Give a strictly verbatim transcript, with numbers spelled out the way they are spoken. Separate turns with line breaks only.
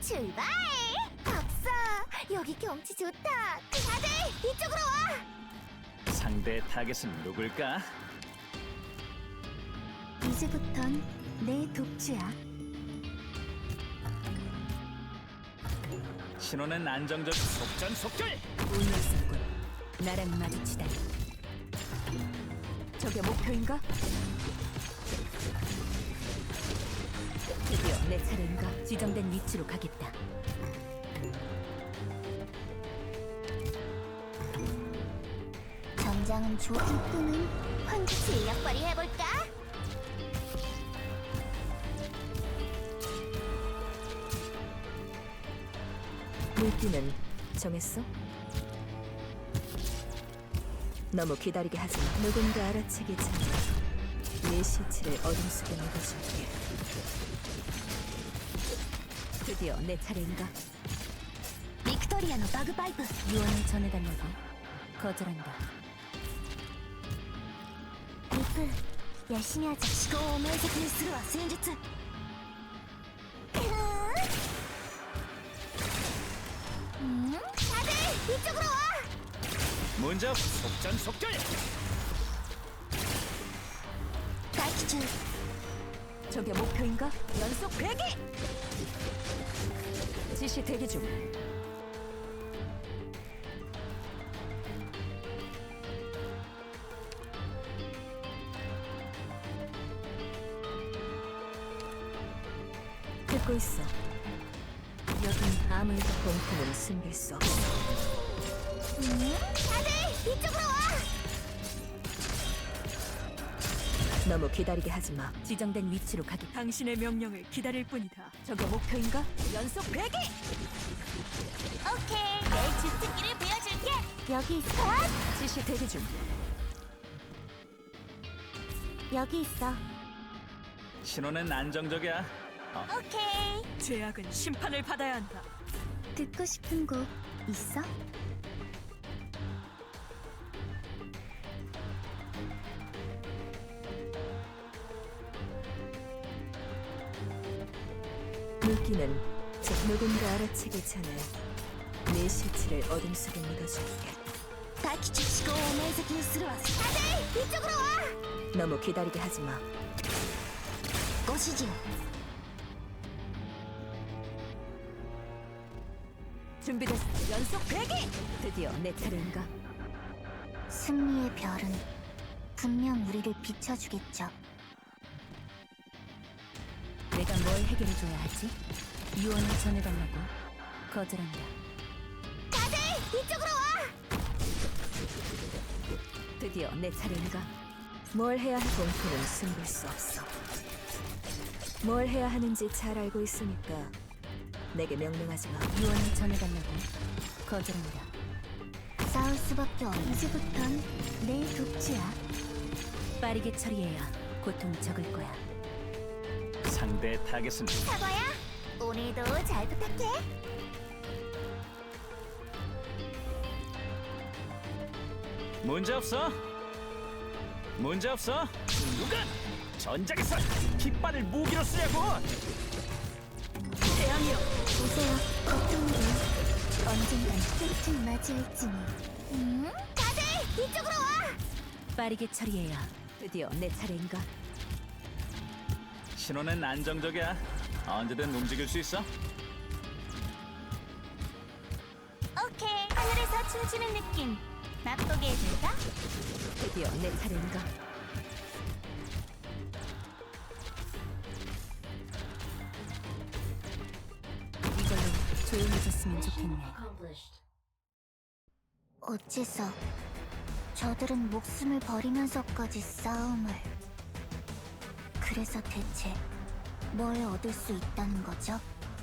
출발! 박사, 여기 경치 좋다. 다들 이쪽으로 와.
상대 타겟은 누굴까?
이제부턴 내 독주야.
신호는 안정적 속전속결!
운이 있었군. 나랑 마주치다니. 저게 목표인가? 드디어 내 차례인가? 지정된 위치로 가겠다.
전장은 좋을 뿐은 황제 실력 발휘해볼까?
물기는 정했어? 너무 기다리게 하지 마. 누군가 알아채기 전에 네 시체를 어둠 속에 묻어줄게. 드디어 내 차례인가?
빅토리아노 바그바이브.
유언을 전해달라고 거절한다.
리프, 열심히 하자. 시고 오메이즈키니 스루와戦術. 음, 다들 이쪽으로 와.
문제없 속전속결!
다이키준,
저게 목표인가? 연속 배기! 지시 대기 중. 듣고 있어. 여긴 아무래도 공포는 숨길 수 없어.
음, 다들 이쪽으로 와.
너무 기다리게 하지 마. 지정된 위치로 가기. 당신의 명령을 기다릴 뿐이다. 저게 목표인가? 연속 배기!
오케이, 내 주특기를 보여줄게. 여기 있어.
지시 대기 중.
여기 있어.
신호는 안정적이야. 어,
오케이.
죄악은 심판을 받아야 한다.
듣고 싶은 곡 있어?
물기는 즉 누군가 알아채기 전에 네 실체를 어둠 속에 묻어줄게.
다이키준, 시고 오메이즈키니 스루와. 다들 이쪽으로 와.
너무 기다리게 하지 마.
고시지요.
준비됐어. 연속 배기! 드디어 내 차례인가?
승리의 별은 분명 우리를 비춰주겠죠.
내가 뭘 해결해줘야 하지? 유언을 전해달라고 거절한다.
다들 이쪽으로 와.
드디어 내 차례인가? 뭘 해야 할 공포는 숨길 수 없어. 뭘 해야 하는지 잘 알고 있으니까 내게 명령하지 마. 유언을 전해달라고 거절한다.
싸울 수밖에 없는. 이제부턴 내 독주야.
빠르게 처리해야 고통이 적을 거야.
상대 타겟은
사과야, 오늘도 잘 부탁해.
문제없어? 문제없어? 누가 전장에서 깃발을 무기로 쓰냐고!
태양이여!
보세요, 걱정이고 언젠간 끝을 맞이할지니. 음, 다들 이쪽으로 와.
빠르게 처리해야 드디어 내 차례인가?
신호는 안정적이야. 언제든 움직일 수 있어.
오케이, 하늘에서 춤추는 느낌 맛보게 해줄까?
드디어 내 차례인가? 이걸로 조용해졌으면 좋겠네.
어째서 저들은 목숨을 버리면서까지 싸움을. 그래서 대체 뭘 얻을 수 있다는 거죠?